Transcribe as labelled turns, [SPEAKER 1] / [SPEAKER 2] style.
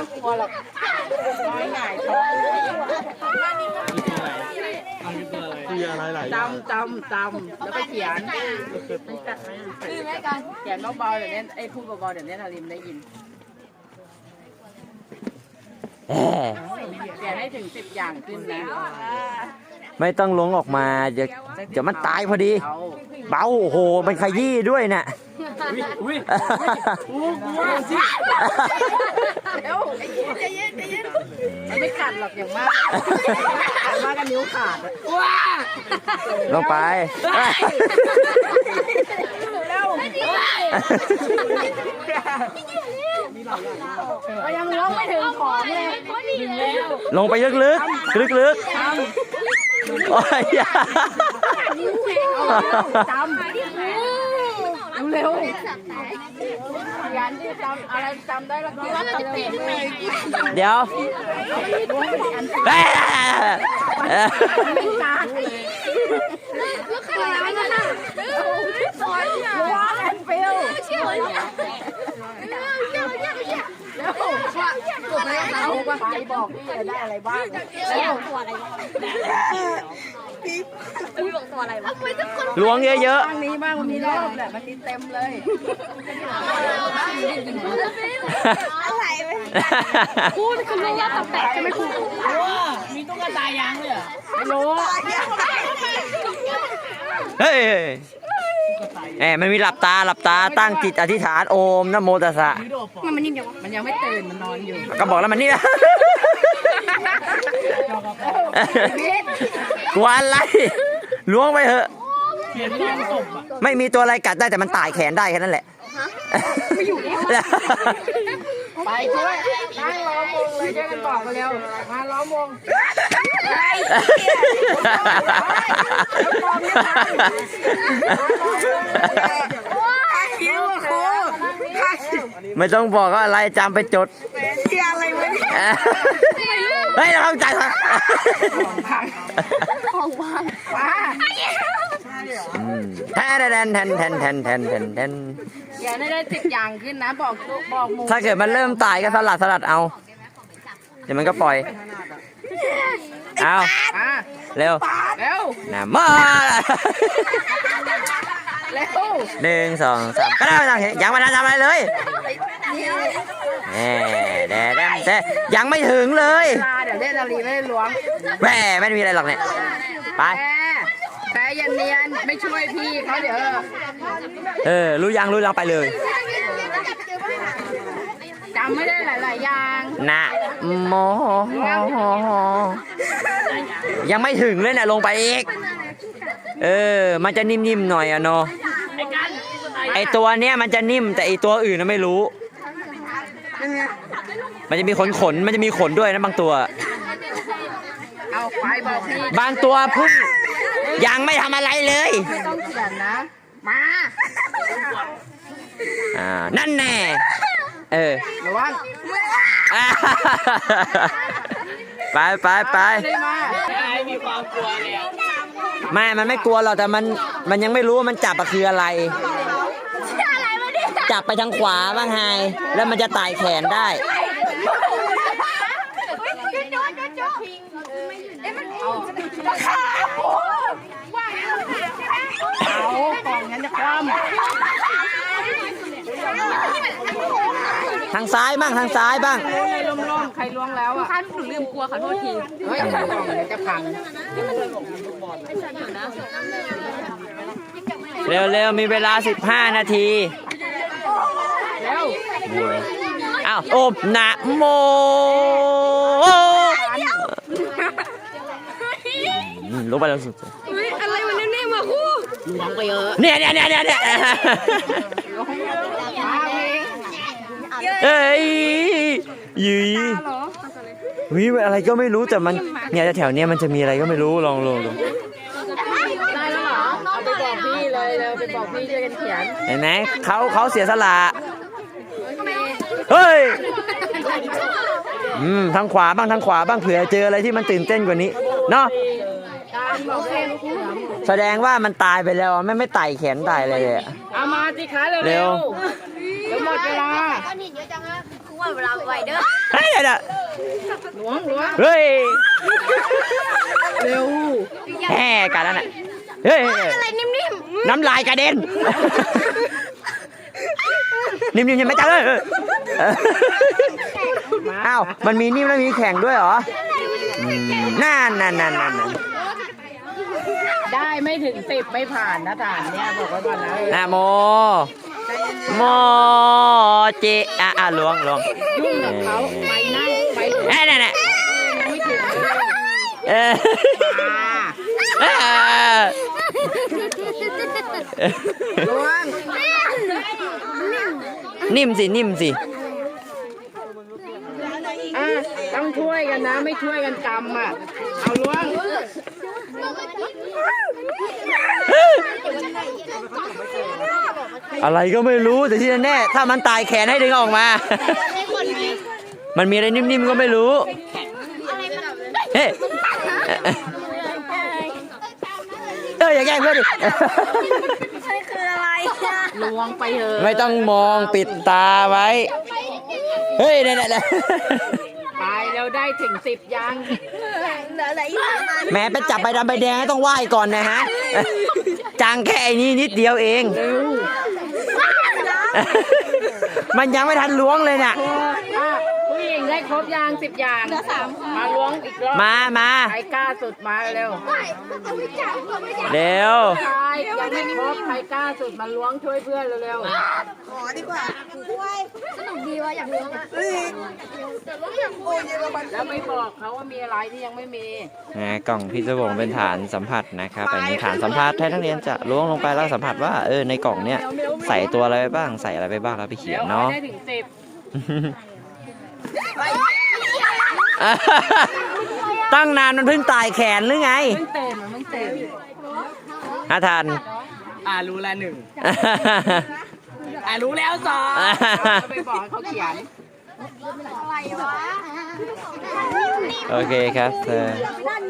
[SPEAKER 1] ต้องกลัวหรอกน้อยหน่ายท้อง
[SPEAKER 2] คืออะไรหลาย
[SPEAKER 1] จำแล้วก็เขียนคือไม่กันเขียนเบาๆเดี๋ยวนี้ไอ้พูดเบาๆเดี๋ยวนี้ทาริมได้ยินเขียนให้ถึง10 อย่างขึ้นนะ
[SPEAKER 3] ไม่ต้องลงออกมาเดี๋ยวมันตายพอดีเบาโอ้โหมันขยี้ด้วยน่ะ
[SPEAKER 1] อุ้ยเดี๋ยวใจเย็นมันไม่กัดหรอกอย่างมากกันนิ้วขาดว้า
[SPEAKER 3] ลงไป
[SPEAKER 1] ยังร้องไม่ถึงของเลย
[SPEAKER 3] ลงไปลึกโอ้ย
[SPEAKER 1] จำเร็วยันที่จำอะไรจำได้แล้วก็
[SPEAKER 3] เดี๋ยว
[SPEAKER 1] ไปบอกพี่จะได้อะไรบ้างตัวอะไรพี่บอกตัวอะไรวะ
[SPEAKER 3] ล้วงเยอะ
[SPEAKER 1] ๆทางนี้บ้างมันมีรอบแหละมันมีเต็มเลยอะไรพูดคือรู้ว่าตับแตกใช่ไหมครูมีตุ๊กตายางเลยไม่รู้
[SPEAKER 3] เฮ้ยมันมีหลับตาตั้งจิตอธิษฐานโอมนะโมตัสสะ
[SPEAKER 1] มันนิ่มยังวะมันยังไม่ตื่นมันนอนอยู่
[SPEAKER 3] ก็บอกแล้วมันนี่นะกลัวอะไรล้วงไปเถอะไม่มีตัวอะไรกัดได้แต่มันตายแขนได้แค่นั้นแหละ
[SPEAKER 1] ไม่อยู่แล้วไปช่วยนั่งล้อมวงเลยช่วยกันบอกกันเร็วมาล้อมวง
[SPEAKER 3] ไม่ต้องบอกว่าอะไรจำไปจด
[SPEAKER 1] อะไรวะเนี่ย
[SPEAKER 3] เฮ้ยเราเข้าใจครับ
[SPEAKER 1] ของว่าง
[SPEAKER 3] แทน
[SPEAKER 1] อย่าได้10 อย่างขึ้นนะบอกมู
[SPEAKER 3] ถ้าเกิดมันเริ่มตายก็สลัดเอาเดี๋ยวมันก็ปล่อยเอาเร็วนะมา1 2 3ก็ได้ยังไม่ทันทำอะไรเลยแต่ยังไม่ถึงเลย
[SPEAKER 1] เดี๋ยวเล่นอะไรไม่ได้ล้วง
[SPEAKER 3] แหมไม่มีอะไรหรอกเนี่ยไป
[SPEAKER 1] แต่ยันเนียนไม่ช่วยพี่เขาเดี๋ยว
[SPEAKER 3] รู้ยังไปเลย
[SPEAKER 1] จำไม่ได้หลายอย่าง
[SPEAKER 3] นะโมยังไม่ถึงเลยเนี่ยลงไปอีกมันจะนิ่มๆหน่อยอะเนาะไอตัวเนี้ยมันจะนิ่มแต่ไอตัวอื่นน่ะไม่รู้มันจะมีขนมันจะมีขนด้วยนะบางตัว
[SPEAKER 1] เอาไปบอกพี่
[SPEAKER 3] บางตัวพึ่งยังไม่ทำอะไรเลย
[SPEAKER 1] ไม่ต้องเขียนนะมา
[SPEAKER 3] นั่นแน่
[SPEAKER 1] ระวัง
[SPEAKER 3] ไป
[SPEAKER 1] มีความกลัวเลย
[SPEAKER 3] ไม่มันไม่กลัวหรอกแต่มันยังไม่รู้ว่ามันจับคืออะไรจับไปทางขวาบ้างไงแล้วมันจะไต่แขนได้
[SPEAKER 1] เอาของงั้นจะคว่ำ
[SPEAKER 3] ทางซ้ายบ้างทางซ้ายบ้าง
[SPEAKER 1] ล้มใครล้วงแล้วอ่ะหนูลืมกลัวขอโทษทีเฮ้ยของจะพัง
[SPEAKER 3] เร็วมีเวลา15 นาทีอ้าวโอมนะโมลงไปแล้วสุด
[SPEAKER 1] อะไรมันแน่ๆมาคู่ล้วงไปเยอะ
[SPEAKER 3] เนี่ยยืยวิอะไรก็ไม่รู้แต่มันเนี่ยแถวเนี้ยมันจะมีอะไรก็ไม่รู้ลอง
[SPEAKER 1] ได้แล้วเหรอเอาไปบอกพี่เลยไปบอกพี่ช่วยกันเขียน
[SPEAKER 3] เห็นไหมเขาเสียสละเฮ้ยทางขวาบ้างเผื่อเจออะไรที่มันตื่นเต้นกว่านี้เนาะแสดงว่ามันตายไปแล้วไม่ไต่แขนตายเลย
[SPEAKER 1] เอามาสิคะเร็วหมดเวลา
[SPEAKER 4] ก้อนหินเยอะจังนะคือว่าเวลาไวเด้อ
[SPEAKER 3] เฮ้ยเดี๋ยว
[SPEAKER 1] ล้วง
[SPEAKER 3] เฮ้ย
[SPEAKER 1] เร็ว
[SPEAKER 3] แห่กันแล้วน่ะเฮ้ย
[SPEAKER 4] อะไรนิ่ม
[SPEAKER 3] น้ำลายกระเด็น นิ่มๆยังไม่จังเลยอ้าวมันมีนิ่มแล้วมีแข็งด้วยเหรอนั่น
[SPEAKER 1] ได้ไม่ถึง10ไม่ผ่านนะฐานเนี่ยบอกไว้ก่อนนะ
[SPEAKER 3] นะโมเจล้วง
[SPEAKER 1] ยุ่งกับเขาไปนั่งไป
[SPEAKER 3] นั่น
[SPEAKER 1] ไม่ถึงเลย ล้วง
[SPEAKER 3] นิ่มสิ
[SPEAKER 1] ต้องช่วยกันนะไม่ช่วยกันกำอ่ะเอาล้วง
[SPEAKER 3] อะไรก็ไม่รู้แต่ที่แน่ๆถ้ามันตายแขนให้ดึงออกมา มันมีอะไรนิ่มๆก็ไม่รู้เฮ้ยอย่าแกล้งเพื่อนดิ
[SPEAKER 4] ๆใช่คืออะไร
[SPEAKER 1] ล้วงไปเถอะ
[SPEAKER 3] ไม่ต้องมองปิดตาไว้ เฮ้ยนั่น
[SPEAKER 1] ไปแล้วได้ถึง10ยัง
[SPEAKER 4] เหลืออะไรอีกประมาณ
[SPEAKER 3] แม้ไปจับใบดำใบแดงต้องไหว้ก่อนนะฮะ จังแค่ไอ้นี่นิดเดียวเอง
[SPEAKER 1] เร็ว
[SPEAKER 3] มันยังไม่ทันล้วงเลยเนี่ย
[SPEAKER 1] ผู้หญิงได้ครบยัง10อย่างเหลือ3มาล้วงอีกรอบ
[SPEAKER 3] มา
[SPEAKER 1] ใครกล้าสุดมาเร็ว
[SPEAKER 3] เร็ว
[SPEAKER 1] ใครยังไม่ครบใครกล้าสุดมาล้วงช่วยเพื่อนเร็ว
[SPEAKER 4] สนุกดีว่ะอยากล้วงอ่ะ
[SPEAKER 1] ๆแล้วไม่บอกเขาว่ามีอะไรที่ยังไม่มี
[SPEAKER 3] กล่องพี่จะบอกเป็นฐานสัมผัสนะครับอันนี้ฐานสัมผัสให้นักเรียนจะล้วงลงไปแล้วสัมผัสว่าในกล่องเนี้ยใส่ตัวอะไรไปบ้างใส่อะไรไปบ้างแล้วไปเขียนเนาะ
[SPEAKER 1] ได้ถึง10
[SPEAKER 3] ตั้งนานมันเพิ่งตายแขนหรือไง
[SPEAKER 1] เพิ่งเต็ม
[SPEAKER 3] ฮะทัน
[SPEAKER 1] รู้แล้ว1รู้แล้ว2ไปบอกให้เขาเขียน
[SPEAKER 4] อะไรวะ
[SPEAKER 3] โอเคครับ